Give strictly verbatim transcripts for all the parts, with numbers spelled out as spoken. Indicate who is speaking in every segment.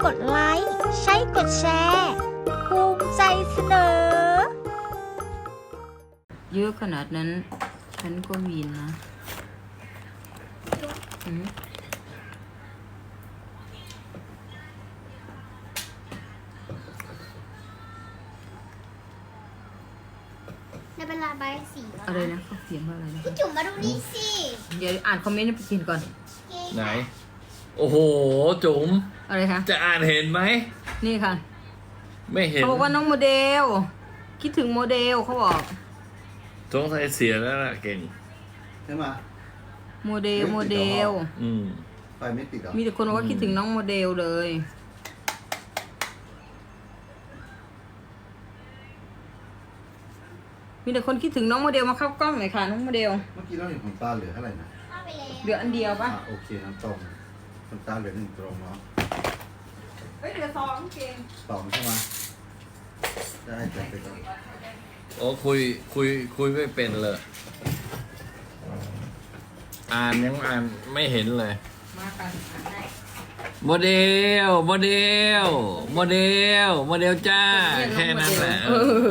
Speaker 1: กดไลค์ใช้กดแชร์ภูมิใจเสนอเยอะขนาดนั้นฉันก็วีนนะอืม
Speaker 2: ในเวลาใบสีแล้ว
Speaker 1: อะไรนะเขาเขียนว่าอะไรนะ
Speaker 2: พี่จุ๋มมาดูนี่สิ
Speaker 1: เดี๋ยวอ่านคอมเมนต์ให้ไปกินก่อน
Speaker 3: ไหน โอ้โห จุ๋ม
Speaker 1: อะไรคะ
Speaker 3: จะอ่านเห็นไหม
Speaker 1: นี่ค่ะ
Speaker 3: ไม่เห็น
Speaker 1: เขาบอกว่าน้องโมเดล คิดถึงโมเดลเขาบอก
Speaker 3: สงสัยเสียแล้วล่ะเก่ง
Speaker 4: ใช่ไหม
Speaker 1: โมเดลโมเดล
Speaker 3: อืม
Speaker 4: ไฟไม่ติดหรอ
Speaker 1: มีแต่คนบอกว่าคิดถึงน้องโมเดลเลย มีแต่คนคิดถึงน้องโมเดลมาเข้ากล้องหน่อยค่ะน้องโมเดล
Speaker 4: เมื่อกี้เราเห็นขนตาเหลือเท่าไหร่นะ
Speaker 2: เข้าไปแล้ว
Speaker 1: เหลืออันเดียวปะ
Speaker 4: อ่ะโอเคน้ำตรงขนตาเหลือหนึ่งตรงเนาะ
Speaker 1: เฮ้ยเหลือสองเก่ง
Speaker 4: สองใช่ไหมได้จัดไปก่อน
Speaker 3: โอ้คุยคุยคุยไม่เป็นเลย อ่านยังอ่านไม่เห็นเลย
Speaker 1: มากัน
Speaker 3: โมเดล โมเดล โมเดล โมเดลจ้า แค่นั้นแหละ
Speaker 1: เอ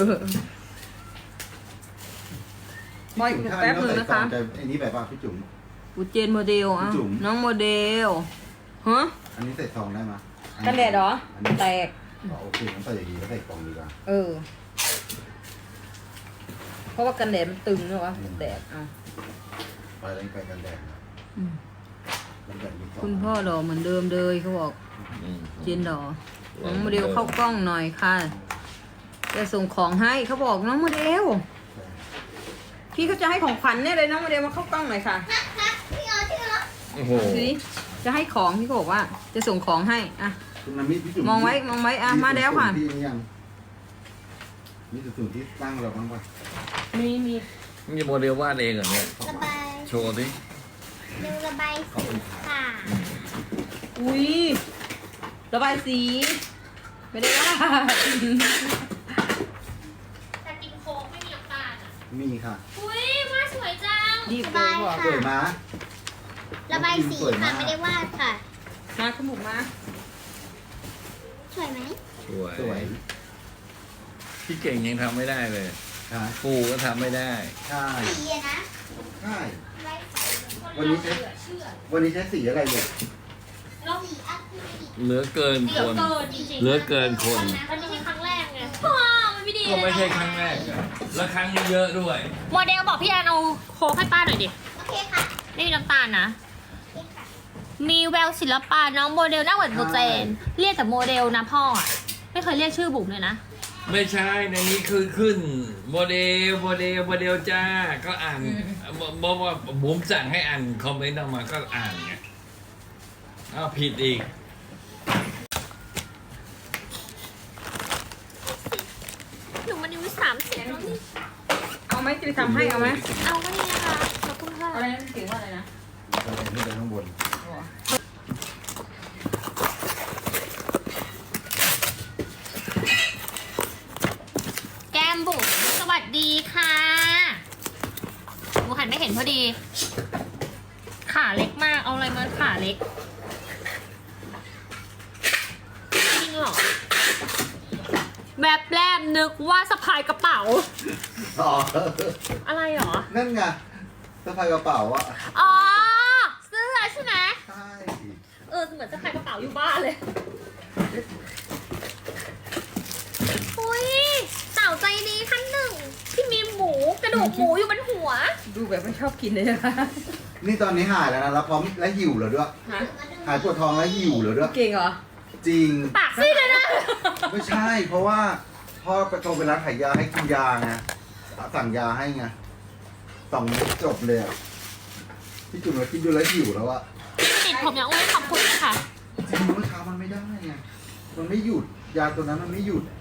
Speaker 1: อบอยแป๊บนึงนะคะ
Speaker 4: แต่อันนี้แบบว่าพี่จุ๋ม
Speaker 1: อูเจนโมเดลอ่ะ
Speaker 4: จุ๋ม
Speaker 1: น้องโมเดลฮะ
Speaker 4: อันนี้ใส่ซองได้ไหม
Speaker 1: กันแดดเหรอ
Speaker 4: อันนี้
Speaker 1: แตก
Speaker 4: อ๋อโอเคงั้นใส่อย่างนี้แล้วใส่กล่องดีกว่า
Speaker 1: เออ เพราะว่ากันแดดมันตึงเนอะวะแตกอ่ะ
Speaker 4: ไปแล้วไปกันแดดนะ
Speaker 1: อืม
Speaker 4: กันแดดมีซอง
Speaker 1: คุณพ่อหล่อเหมือนเดิมเลยเขาบอก
Speaker 3: อืม
Speaker 1: เจนหล่อน้องโมเดลเข้ากล้องหน่อยค่ะจะส่งของให้เขาบอกน้องโมเดล พี่เขาจะให้ของขวัญเนี่ยเลยน้องโมเดลมาเข้ากล้องหน่อยค่ะ
Speaker 2: นะนะพี่เอาที่เหรอ
Speaker 3: โอ้โห
Speaker 1: ดูดิจะให้ของพี่เขาบอกว่า จะส่งของให้อ่ะ
Speaker 4: คุณน้ำมิตรพี่จุ๋ม
Speaker 1: มองไว้มองไว้อ่ะมาแล้วค่ะ
Speaker 4: ที่นี่ยังมีจุดๆที่ตั้งเราบ้างปะ
Speaker 1: มีมี
Speaker 3: นี่โมเดลวาดเองเหรอเนี่ย
Speaker 2: ระบาย
Speaker 3: โชว์ดิ
Speaker 2: เร็วระบายสีค่ะ
Speaker 1: อุ้ยระบายสี ไม่ได้ว่า
Speaker 2: แต่กินโค้กไม่มีน้ำตาลอ่ะ
Speaker 4: มีค่ะ
Speaker 2: อุ้ยว่าสวยจัง
Speaker 1: รีบ
Speaker 2: ระ
Speaker 1: เลย
Speaker 2: บาย
Speaker 1: บอก
Speaker 4: สวย
Speaker 2: ค่ะ
Speaker 4: มา
Speaker 2: ระบายสีค่ะไม่ได้วาดค่ะ
Speaker 1: มาขมุกมา
Speaker 2: สวยไหม
Speaker 3: สวย
Speaker 4: สวย
Speaker 3: พี่เก่งยังทำไม่ได้เลย
Speaker 4: ค่ะ
Speaker 3: ปูก็ทำไม่ได้
Speaker 4: ใช่
Speaker 2: สีอะนะ
Speaker 4: ใช่
Speaker 2: ระบายสี
Speaker 4: วันนี้ใช้วันนี้ใช้สีอะไรเนี่ย
Speaker 2: สีอะคริลิก
Speaker 3: เหลือเกินคน เหลือเกินคน
Speaker 2: มันไม่ใช่ครั้งแรกไงพ่อมันไม่ดี
Speaker 3: ก็ไม่ใช่ครั้งแรกอะแล้วครั้งเยอะด้วย
Speaker 5: โมเดลบอกพี่แอนเอาโค้กให้ป้าหน่อยดิ
Speaker 2: โอเคค่ะ
Speaker 5: ไม่มีน้ำตาลนะ
Speaker 2: โอเคค่ะ
Speaker 5: มีแววศิลปะน้องโมเดลหน้าเหมือนโมเจน เรียกแต่โมเดลนะพ่ออะไม่เคยเรียกชื่อบุ๋มเลยนะ
Speaker 3: ไม่ใช่ในนี้คือขึ้นโมเดลโมเดลโมเดลจ้า ก็อ่านบอกว่าผมสั่งให้อ่านคอมเมนต์ออกมาก็อ่านไงอ้าวผิดอีก
Speaker 5: หนูมันอายุสามสิบแล้วนี่
Speaker 1: เอาไหมจะไปทำให้เอาไหม
Speaker 5: เอาก็นี่นะคะขอบคุณค่ะ
Speaker 1: อะไรนะเสียงว่าอะไรนะ
Speaker 4: เราเห็นที่เดินข้างบน
Speaker 5: แก้มบุ๋มสวัสดีค่ะหนูหันไม่เห็นพอดี ขาเล็กมากเอาอะไรมาขาเล็กจริงเหรอแบบแรกนึกว่าสะพายกระเป๋า
Speaker 4: อ๋อ
Speaker 5: อะไรหรอ
Speaker 4: นั่นไงสะพายกระเป๋าอะ
Speaker 5: อ๋อเสื้อใช่ไหม
Speaker 4: ใช่
Speaker 5: เออเหมือนสะพายกระเป๋าอยู่บ้านเลยอุ้ยสาวใจดีขั้นหนึ่งที่มีหมูกระดูกหมูอยู่บนหัว
Speaker 1: ดูแบบไม่ชอบกินเลยนะคะ
Speaker 4: นี่ตอนนี้หายแล้วนะแล้วพร้อมและหิวแล้วด้วย
Speaker 1: ฮะ
Speaker 4: หายปวดท้องและหิวแล้วด้วย
Speaker 1: เก่งเหรอ
Speaker 4: จริง
Speaker 5: ปากซีดเลยนะ
Speaker 4: ไม่ใช่ เพราะว่าพ่อไปโทรไปร้านขายยาให้กินยาไงสั่งยาให้ไงสองเม็ดจบเลยอะพี่จุ๋มเราคิดดูแล้วหิวแล้วอะ
Speaker 5: ติดผมอย่างอุ้ยขอบคุณค่ะ
Speaker 4: จริงเมื่อเช้ามันไม่ได้ไงมันไม่หยุดยาตัวนั้นมันไม่หยุด